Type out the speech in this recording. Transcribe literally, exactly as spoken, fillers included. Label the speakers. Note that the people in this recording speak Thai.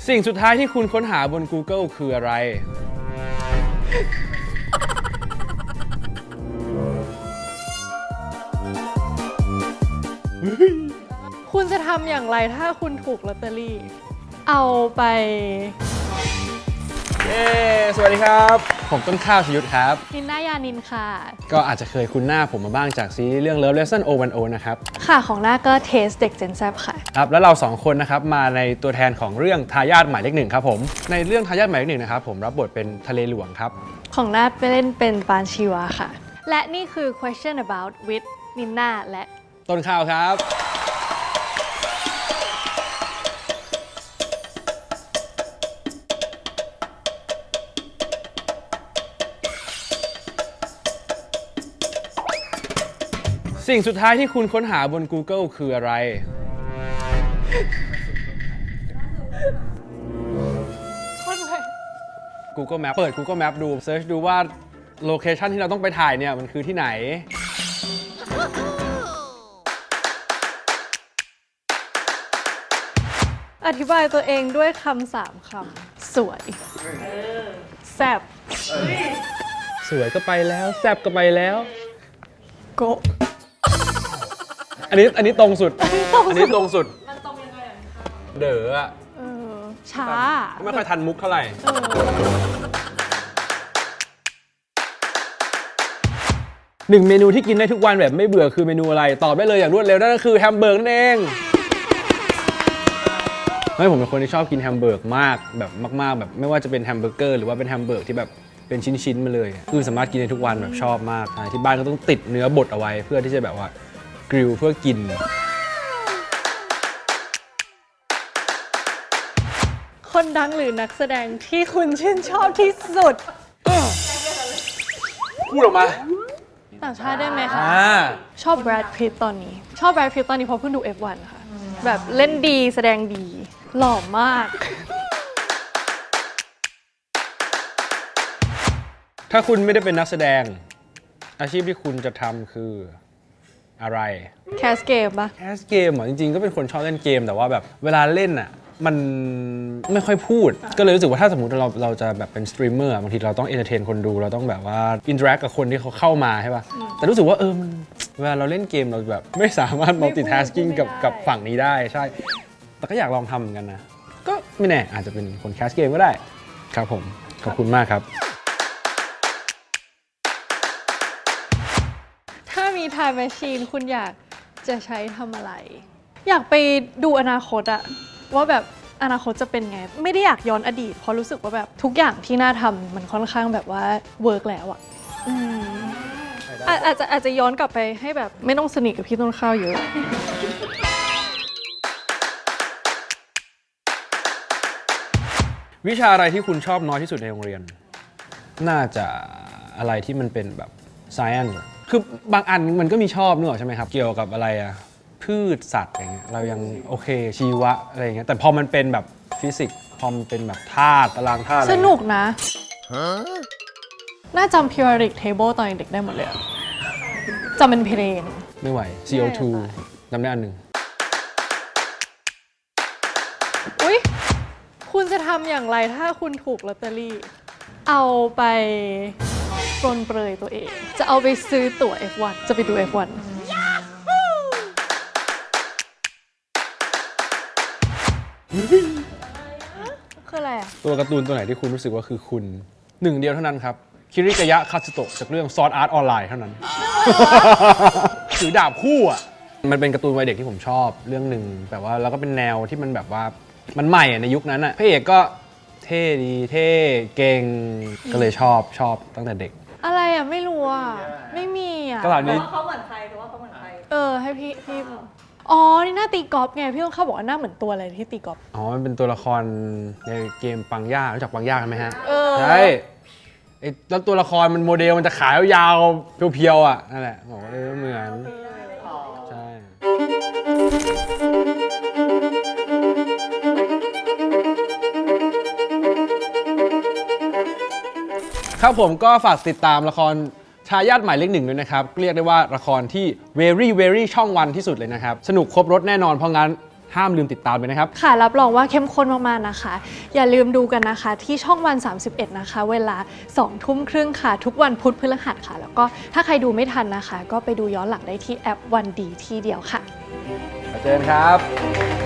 Speaker 1: สิ่งสุดท้ายที่คุณค้นหาบน Google คืออะไร
Speaker 2: คุณจะทำอย่างไรถ้าคุณถูกลอตเตอรี่ เอาไป
Speaker 1: เย้ สวัสดีครับ ผมต้นข้าวชยุทธครับ
Speaker 2: นินนายานินค่ะ
Speaker 1: ก็อาจจะเคยคุ้นหน้าผมมาบ้างจากซีรีส์เรื่อง Love Lesson ศูนย์ หนึ่ง นะครับ
Speaker 2: ค่ะของหน้าก็เทสเด็กเจนแซบค่ะ
Speaker 1: ครับ แล้วเราสองคนนะครับมาในตัวแทนของเรื่องทายาทหมายเลขหนึ่งครับผม ในเรื่องทายาทหมายเลขหนึ่งนะครับผมรับบทเป็นทะเลหลวงครับ
Speaker 2: ของหน้าไปเล่นเป็นปานชีวาค่ะ และนี่คือ question about with นินนาและ
Speaker 1: ต้นข้าวครับ สิ่งสุดท้ายที่คุณค้นหาบน Google คืออะไร
Speaker 2: คนเลย
Speaker 1: Google Map เปิด Google Map ดูเซิร์ชดูว่าโลเคชันที่เราต้องไปถ่ายเนี่ยมันคือที่ไหน
Speaker 2: อธิบายตัวเองด้วยคำสามคำ สวยแซบ
Speaker 1: สวยก็ไปแล้วแซบก็ไปแล้ว
Speaker 2: โกะ
Speaker 1: อันนี้อันนี้ตรงสุด
Speaker 2: อันนี้ตรงสุด
Speaker 1: อันนี้ตรงสุด มันตรงยังไงอ่ะเด๋ออะ
Speaker 2: เออช้า
Speaker 1: ไม่ค่อยทันมุกเท่าไหร่
Speaker 2: เออ
Speaker 1: หนึ่งเมนูที่กินได้ทุกวันแบบไม่เบื่อคือเมนูอะไร ตอบได้เลยอย่างรวดเร็วนั่นก็คือแฮมเบอร์กนั่นเองไม่ผมเป็นคนที่ชอบกินแฮมเบอร์กมากแบบมากๆแบบไม่ว่าจะเป็นแฮมเบอร์เกอร์หรือว่าเป็นแฮมเบอร์กที่แบบเป็นชิ้นๆมาเลยคือสามารถกินได้ทุกวันแบบชอบมากใช่ที่บ้านก็ต้องติดเนื้อบดเอาไว้เพื่อที่จะแบบว่ากริลเพื่อกิน
Speaker 2: คนดังหรือนักแสดงที่คุณชื่นชอบที่สุด
Speaker 1: พูดออกมา
Speaker 2: ต่างชาติได้ไหมคะ
Speaker 1: อ่า
Speaker 2: ชอบแบรดพิตตอนนี้ ชอบแบรดพิตตอนนี้เพราะเพิ่งดู เอฟ วัน ค่ะ แบบเล่นดีแสดงดี หล่อมาก
Speaker 1: ถ้าคุณไม่ได้เป็นนักแสดงอาชีพที่คุณจะทำคืออะไร
Speaker 2: แคสเกมปะ
Speaker 1: แคสเกมเหรอจริงๆก็เป็นคนชอบเล่นเกมแต่ว่าแบบเวลาเล่นอ่ะมันไม่ค่อยพูดก็เลยรู้สึกว่าถ้าสมมติเราเราจะแบบเป็นสตรีมเมอร์บางทีเราต้องเอนเตอร์เทนคนดูเราต้องแบบว่าอินเทอร์แอคกับคนที่เขาเข้ามาใช่ป่ะแต่รู้สึกว่าเออมันเวลาเราเล่นเกมเราแบบไม่สามารถ multitasking กับกับฝั่งนี้ได้ใช่แต่ก็อยากลองทำเหมือนกันนะก็ไม่แน่อาจจะเป็นคนแคสเกมก็ได้ครับผมขอบคุณมากครับ
Speaker 2: ถ้ามี time machine คุณอยากจะใช้ทำอะไร อยากไปดูอนาคตอะว่าแบบอนาคตจะเป็นไง ไม่ได้อยากย้อนอดีต เพราะรู้สึกว่าแบบทุกอย่างที่น่าทำมันค่อนข้างแบบว่าเวิร์กแล้วอะอืมอาอาจจะอาจจะย้อนกลับไปให้แบบไม่ต้องสนิทกับพี่ต้นข้าวเยอะ
Speaker 1: วิชาอะไรที่คุณชอบน้อยที่สุดในโรงเรียน น่าจะอะไรที่มันเป็นแบบ science คือบางอันมันก็มีชอบนึกออกใช่ไหมครับ เกี่ยวกับอะไรอะพืชสัตว์อะไรเงี้ยเรายังโอเคชีวะอะไรเงี้ยแต่พอมันเป็นแบบฟิสิกส์พอมันเป็นแบบธาตุตารางธาตุอะไร
Speaker 2: สนุกนะ น่าจำ periodic table ตอนเด็กได้หมดเลยอะจำเป็นเพลง
Speaker 1: ไม่ไหว ซี โอ ทู จำได้อันหนึ่ง
Speaker 2: อุ๊ย คุณจะทำอย่างไรถ้าคุณถูกลอตเตอรี่ เอาไปปรนเปรยตัวเอง จะเอาไปซื้อตั๋ว เอฟ วัน จะไปดู เอฟ วัน คืออะไรอ่ะ
Speaker 1: ตัวการ์ตูนตัวไหนที่คุณรู้สึกว่าคือคุณหนึ่งเดียวเท่านั้นครับ คิริกายะคาสึโตะจากเรื่องซอร์ดอาร์ตออนไลน์เท่านั้น ถือดาบคู่อ่ะ มันเป็นการ์ตูนวัยเด็กที่ผมชอบเรื่องหนึ่งแบบว่าแล้วก็เป็นแนวที่มันแบบว่ามันใหม่อะในยุคนั้นอ่ะพระเอกก็เท่ดีเท่เก่งก็เลยชอบชอบตั้งแต่เด็ก
Speaker 2: อะไรอ่ะ ไม่รู้อ่ะ ไม่มีอ่ะ
Speaker 1: ก็เหล่านี้
Speaker 3: เขาเหมือนใครหรือว่าเขาเหมือนใคร
Speaker 2: เออ ให้พี่พี่อ๋อ นี่หน้าตีกอล์ฟไง พี่ต้องเข้าบอกว่าหน้าเหมือนตัวอะไรที่ตีกอล์ฟ
Speaker 1: อ๋อ มันเป็นตัวละครในเกมปังย่ารู้จักปังย่ากันไหมฮะ
Speaker 2: เออ
Speaker 1: ใช่ไอ้แล้วตัวละครมันโมเดลมันจะขายาวๆเพียวๆอ่ะนั่นแหละบอกว่าเออเหมือนใช่ครับผมก็ฝากติดตามละครทายาทหมายเลขหนึ่งด้วยนะครับ เรียกได้ว่าละครที่ very very ช่องวันที่สุดเลยนะครับ สนุกครบรถแน่นอนเพราะงั้นห้ามลืมติดตามเลยนะครับ
Speaker 2: ค่ะรับรองว่าเข้มข้นมากๆนะคะ อย่าลืมดูกันนะคะที่ช่องวันสามสิบเอ็ดนะคะ เวลาสองทุ่มครึ่งค่ะ ทุกวันพุธพฤหัสค่ะ แล้วก็ถ้าใครดูไม่ทันนะคะ ก็ไปดูย้อนหลังได้ที่แอปวันดีที่เดียวค่ะ
Speaker 1: เจอกันครับ